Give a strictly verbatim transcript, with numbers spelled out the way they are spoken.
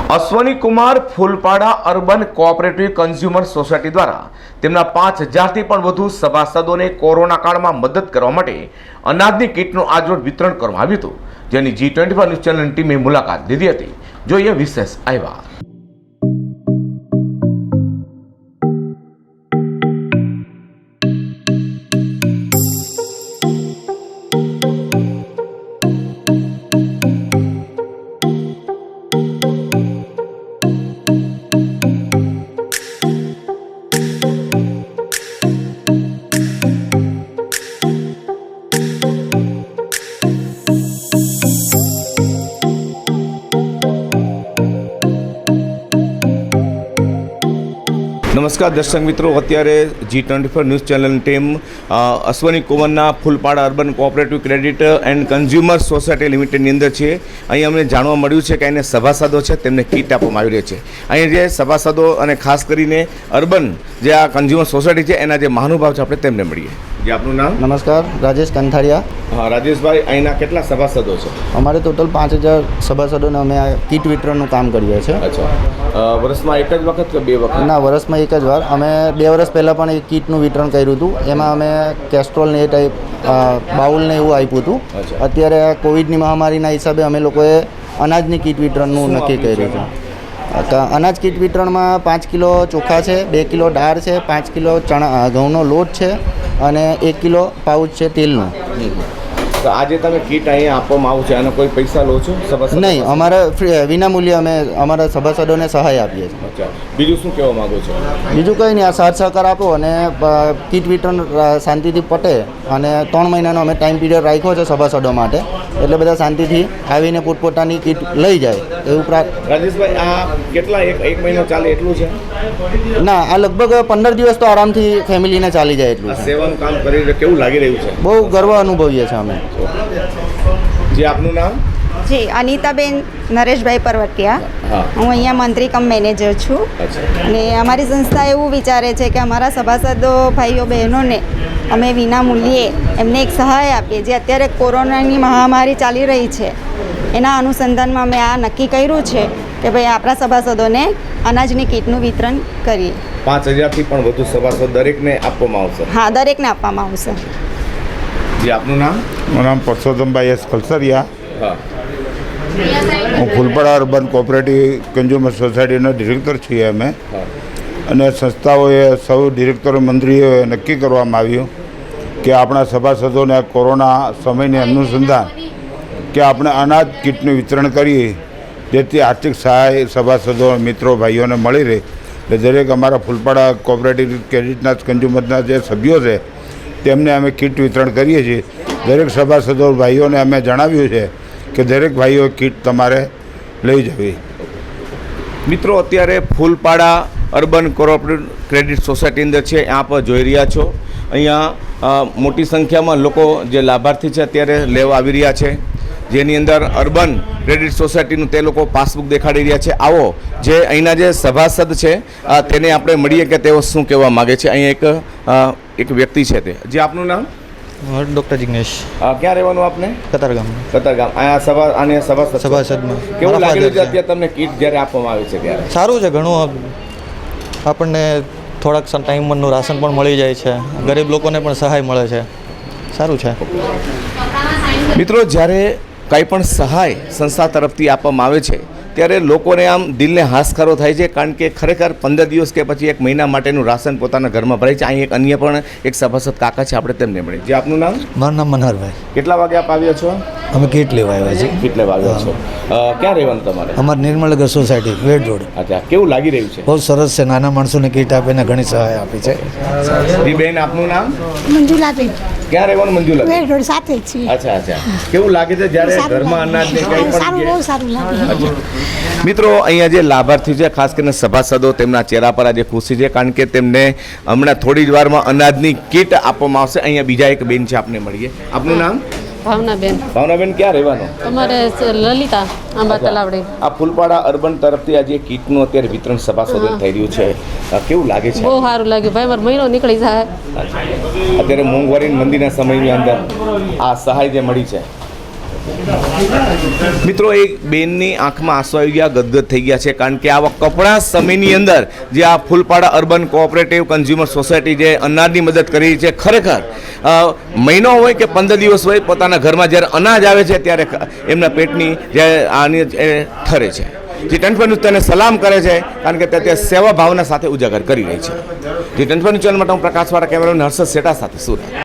અશ્વની Kumar Phulpada urban cooperative consumer society દ્વારા તેમના પાંચ હજારથી પણ વધુ સભાસદોને કોરોના કાળમાં મદદ કરવા માટે અનાજની કીટનું આજરોજ વિતરણ કરવામાં આવ્યું હતું, જેની જી ટ્વેન્ટી ફોર ન્યૂઝ ચેનલની ટીમે મુલાકાત લીધી હતી. જોઈએ વિશેષ અહેવાલ. નમસ્કાર દર્શક મિત્રો, અત્યારે જી ટ્વેન્ટી ફોર ન્યૂઝ ચેનલની ટીમ અશ્વની કુમારના Phulpada urban cooperative credit and consumer society લિમિટેડની અંદર છે. અહીં અમને જાણવા મળ્યું છે કે અહીંના સભાસદો છે તેમને કીટ આપવામાં આવી રહી છે. અહીં જે સભાસદો અને ખાસ કરીને અર્બન જે આ કન્ઝ્યુમર સોસાયટી છે એના જે મહાનુભાવ છે આપણે તેમને મળીએ. જે આપનું નામ? નમસ્કાર, રાજેશ કંથારિયા. હા રાજેશભાઈ, અહીંના કેટલા સભાસદો છે? અમારે ટોટલ પાંચ હજાર સભાસદોને અમે આ કીટ વિતરણનું કામ કરીએ છીએ. અચ્છા, વર્ષમાં એક જ વખત કે બે વખત? ના, વર્ષમાં એક જ વાર. અમે બે વર્ષ પહેલાં પણ એક કીટનું વિતરણ કર્યું હતું. એમાં અમે કેસ્ટ્રોલ ને એ ટાઈપ બાઉલ ને એવું આપ્યું હતું. અત્યારે કોવિડની મહામારીના હિસાબે અમે લોકોએ અનાજની કીટ વિતરણનું નક્કી કર્યું છે. અનાજ કીટ વિતરણમાં પાંચ કિલો ચોખા છે, બે કિલો દાળ છે, પાંચ કિલો ચણા ઘઉંનો લોટ છે અને એક કિલો પાઉચ છે તેલનું. તો આજે તમે કીટ અહીંયા આપવામાં આવું છે અને કોઈ પૈસા લો છો સભાસદ? નહીં, અમારા વિનામૂલ્યે અમે અમારા સભાસદોને સહાય આપીએ છીએ. અચ્છા, બીજું શું કહેવા માગો છો? બીજું કંઈ નહીં, આ સાથ સહકાર આપો અને કીટ વિતરણ શાંતિથી પટે. અને ત્રણ મહિનાનો અમે ટાઈમ પીરિયડ રાખ્યો છે સભાસદો માટે, એટલે બધા શાંતિથી આવીને પોતપોતાની કીટ લઈ જાય એવું પ્રાર્થ. રાજેશભાઈ, આ કેટલા એક એક મહિનો ચાલે એટલું છે? ના, આ લગભગ પંદર દિવસ તો આરામથી ફેમિલીને ચાલી જાય એટલું છે. સેવાનું કામ કરી કેવું લાગી રહ્યું છે? બહુ ગર્વ અનુભવીએ છીએ અમે. જી આપનું નામ? જી અનિતાબેન નરેશભાઈ પરવટિયા. હું અહીંયા મંત્રી કમ મેનેજર છું. અને અમારી સંસ્થા એવું વિચારે છે કે અમારા સભાસદો ભાઈઓ બહેનોને અમે વિના મૂલ્યે એમને એક સહાય આપીએ. જે અત્યારે કોરોનાની મહામારી ચાલી રહી છે એના અનુસંધાનમાં અમે આ નક્કી કર્યું છે કે ભાઈ આપણા સભાસદોને અનાજની કીટનું વિતરણ કરીએ. પાંચ હજારથી પણ વધુ સભાસદ દરેકને આપવામાં આવશે? હા, દરેકને આપવામાં આવશે. જી આપનું નામ? મારું નામ પરસોત્તમભાઈ એસ કલસરિયા. હા, હું ફૂલપાડા અર્બન કોઓપરેટિવ કન્ઝ્યુમર સોસાયટીનો ડિરેક્ટર છીએ અમે. અને સંસ્થાઓએ સૌ ડિરેક્ટરો મંત્રીઓએ નક્કી કરવામાં આવ્યું કે આપણા સભાસદોને કોરોના સમયની અનુસંધાન કે આપણે અનાજ કીટનું વિતરણ કરીએ, જેથી આર્થિક સહાય સભાસદો મિત્રો ભાઈઓને મળી રહે. એટલે દરેક અમારા ફૂલપાડા કોઓપરેટિવ ક્રેડિટના કન્ઝ્યુમરના જે સભ્યો છે તેમને અમે કીટ વિતરણ કરીએ છીએ. દરેક સભાસદો ભાઈઓને અમે જણાવ્યું છે કે દરેક ભાઈઓ કીટ તમારે લઈ જવી. મિત્રો, અત્યારે Phulpada urban cooperative credit society અંદર છે. આપ જોઈ રહ્યા છો અહીંયા મોટી સંખ્યામાં લોકો જે લાભાર્થી છે અત્યારે લેવા આવી રહ્યા છે, જેની અંદર અર્બન ક્રેડિટ સોસાયટીનું તે લોકો પાસબુક દેખાડી રહ્યા છે. આવો જે અહીંના જે સભાસદ છે તેને આપણે મળીએ કે તેઓ શું કહેવા માગે છે. અહીંયા એક એક વ્યક્તિ છે તે. જે આપનું નામ? ડૉક્ટર જિગ્નેશ. ક્યાં રહેવાનું આપને? કતારગામ. કતારગામ. અહીંયા સભા આને સભાસદ સભાસદમાં કેવું લાગી રહ્યું છે અત્યારે તમને કીટ જ્યારે આપવામાં આવે છે ત્યારે? સારું છે, ઘણું આપણને થોડાક ટાઈમનું રાશન પણ મળી જાય છે, ગરીબ લોકોને પણ સહાય મળે છે. સારું છે. મિત્રો, જ્યારે કંઈ પણ સહાય સંસ્થા તરફથી આપવામાં આવે છે ત્યારે લોકોને આમ દિલને હાશકારો થાય છે, કારણ કે ખરેખર પંદર દિવસ કે પછી એક મહિના માટેનું રાશન પોતાના ઘરમાં ભરાય છે. અહીં એક અન્ય પણ એક સભાસદ કાકા છે, આપણે તેમને મળીએ. જે આપનું નામ? મારું નામ મનહરભાઈ. કેટલા વાગે આપ આવ્યા છો? અમે કીટ લેવા આવ્યા છીએ. કીટ લેવા આવ્યા છો. ક્યાં રહેવાનું તમારે? અમારે નિર્મલનગર સોસાયટી, વેડ રોડ. અચ્છા, કેવું લાગી રહ્યું છે? બહુ સરસ છે. નાના માણસોને કીટ આપીને ઘણી સહાય આપી છે. જી બેન, આપનું નામ? મંજુલાબેન. ક્યાં રહેવાનું મંજુલા? વેડ રોડ સાથે જ છીએ. અચ્છા અચ્છા, કેવું લાગે છે જ્યારે ઘરમાં અનાજ ને કંઈ પણ? સારું, બહુ સારું લાગે. મિત્રો, અહીંયા જે લાભાર્થી છે ખાસ કરીને સભાસદો, તેમના ચહેરા પર આજે ખુશી છે, કારણ કે તેમને હમણાં થોડી જ વારમાં અનાજની કીટ આપવામાં આવશે. અહીંયા બીજા એક બેન છે, આપને મળીએ. આપનું નામ? ભાવનાબેન. ભાવનાબેન, ક્યાં રહેવાનું? તમારે લલિતા આંબા તલાવડી. આ ફૂલપાડા અર્બન તરફથી આજે કીટનું અત્યારે વિતરણ સભાસદોને થઈ રહ્યું છે, કેવું લાગે છે? બહુ સારું લાગ્યું ભાઈ, મારો મહિનો નીકળી જાય. અત્યારે મોંઘવારી મંદીના સમયની અંદર આ સહાય જે મળી છે મિત્રો એક બેનની આંખમાં આંસુ આવી ગયા, ગદગદ થઈ ગયા છે, કારણ કે આવા કપડા સમયની અંદર જે આ Phulpada urban cooperative consumer society જે અનાજની મદદ કરી છે, ખરેખર અ, મહિનો હોય કે પંદર દિવસ હોય, પોતાના ઘરમાં જ્યારે અનાજ આવે છે ત્યારે એમના પેટની જે આની એ ઠરે છે. જે ટ્વેન્ટી ન્યૂઝ તેને સલામ કરે છે, કારણ કે તે સેવા ભાવના સાથે ઉજાગર કરી રહી છે. જે ટ્વેન્ટી ન્યૂઝ ચેનલ માટે હું પ્રકાશવાળા કેમેરામેન હર્ષદ શેઠા સાથે સુરત.